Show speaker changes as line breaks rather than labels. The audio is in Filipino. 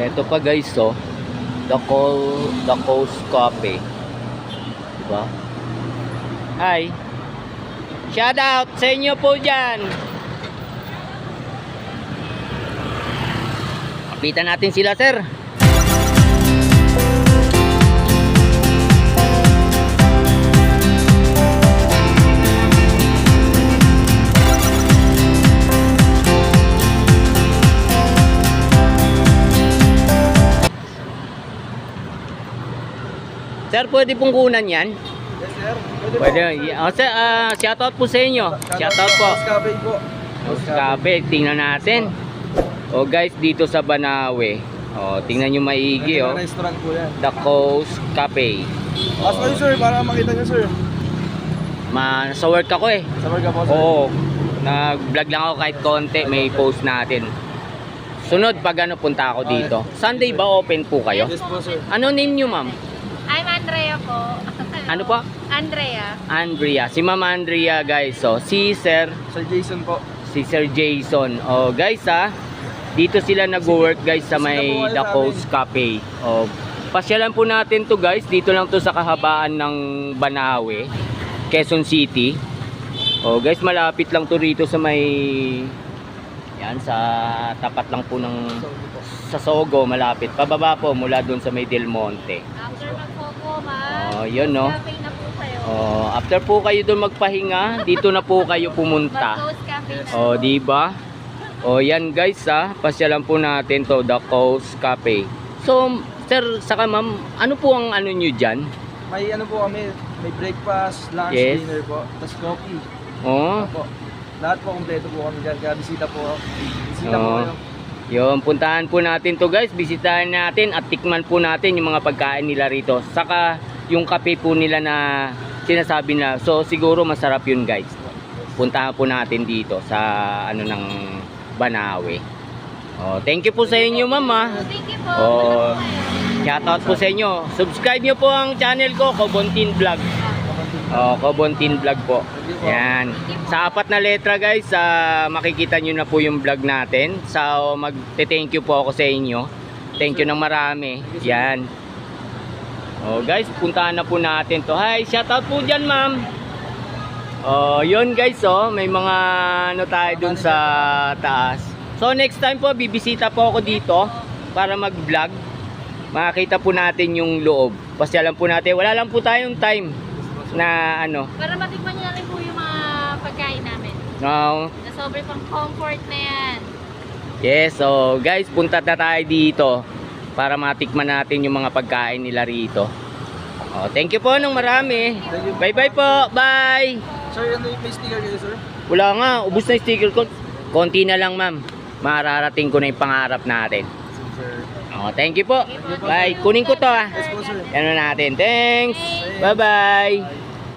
Ito pa guys, oh. The Coast Coffee. Diba? Hi. Shout out sa inyo po dyan. Kapitan natin sila, sir. Sir, pwede pong kunan yan?
Yes, sir.
Pwede. Sir, shoutout po sa inyo. Shoutout po.
Cafe po.
Cafe, tingnan natin. Oh guys, dito sa Banawe. Oh, tingnan nyo maigi, oh.
Restaurant po yan.
The Coast Cafe.
Ask kayo, sir, para makita nyo, sir.
Sa work ako eh.
Sa Marga po, sir.
Oo. Nag-vlog lang ako kahit konti, may post natin. Sunod pag punta ako dito. Sunday ba open po kayo?
Yes po, sir.
Ano name nyo, ma'am?
I'm Andrea po.
Ano po?
Andrea.
Andrea. Si Ma'am Andrea, guys. So, si Sir
Jason po.
si Sir Jason. Oh, guys dito sila nag-work guys sa may The Coast Cafe. Oh, pasyalan po natin to guys. Dito lang to sa kahabaan ng Banawe, Quezon City. Oh, guys, malapit lang to rito sa may sa tapat lang po ng sa Sogo, malapit. Pababa po mula doon sa may Del Monte.
After mag-Coco, ma'am.
Oh, yun no.
Cafe na po kayo.
Oh, after po kayo doon magpahinga, dito na po kayo pumunta.
Mag-Coast Cafe na.
Oh, di ba? Oh, yan guys pasyalan po natin to, The Coast Cafe. So, sir, saka ma'am, ano po ang ano nyo dyan?
May ano po kami, may breakfast, lunch,
Yes.
dinner po, tapos coffee.
Oh,
Po. Lahat po kompleto po kami dyan, kaya bisita po. Bisita po
Oo.
kayo.
yun, puntahan po natin to guys. Bisitahin natin at tikman po natin yung mga pagkain nila rito. Saka yung kape po nila na sinasabi na. So, siguro masarap yun guys. Puntahan po natin dito sa ano ng Banawe. Oh, thank you po sa inyo, ma'am.
Thank you po.
Oh, shoutout po sa inyo. Subscribe nyo po ang channel ko, Kobontin Vlog. Oh, Kobontin Vlog po. Yan. Sa 4 na letra guys, makikita nyo na po yung vlog natin. So, magte-thank you po ako sa inyo. Thank you ng marami. Yan. Oh, guys, puntahan na po natin to. Hi, shoutout po dyan, ma'am. Oh, yun guys, may mga ano tayo dun sa taas. So, next time po, bibisita po ako dito para mag-vlog. Makakita po natin yung loob. Pasyalan po natin. Wala lang po tayong time na ano.
Para matikman niyo na rin po yung mga pagkain namin.
No.
Na sobrang pang comfort na yan.
Yes, so guys, punta na tayo dito para matikman natin yung mga pagkain nila rito. Oh, thank you po ng marami. Bye-bye po. Bye.
Sir, ano yung may sticker kayo, sir?
Wala nga, ubos na yung sticker ko. Konti na lang, ma'am. Mararating ko na yung pangarap natin.
Sir.
Oh, thank you po. Bye. Kunin ko to
Yes po, sir.
Ano natin. Thanks. Bye-bye.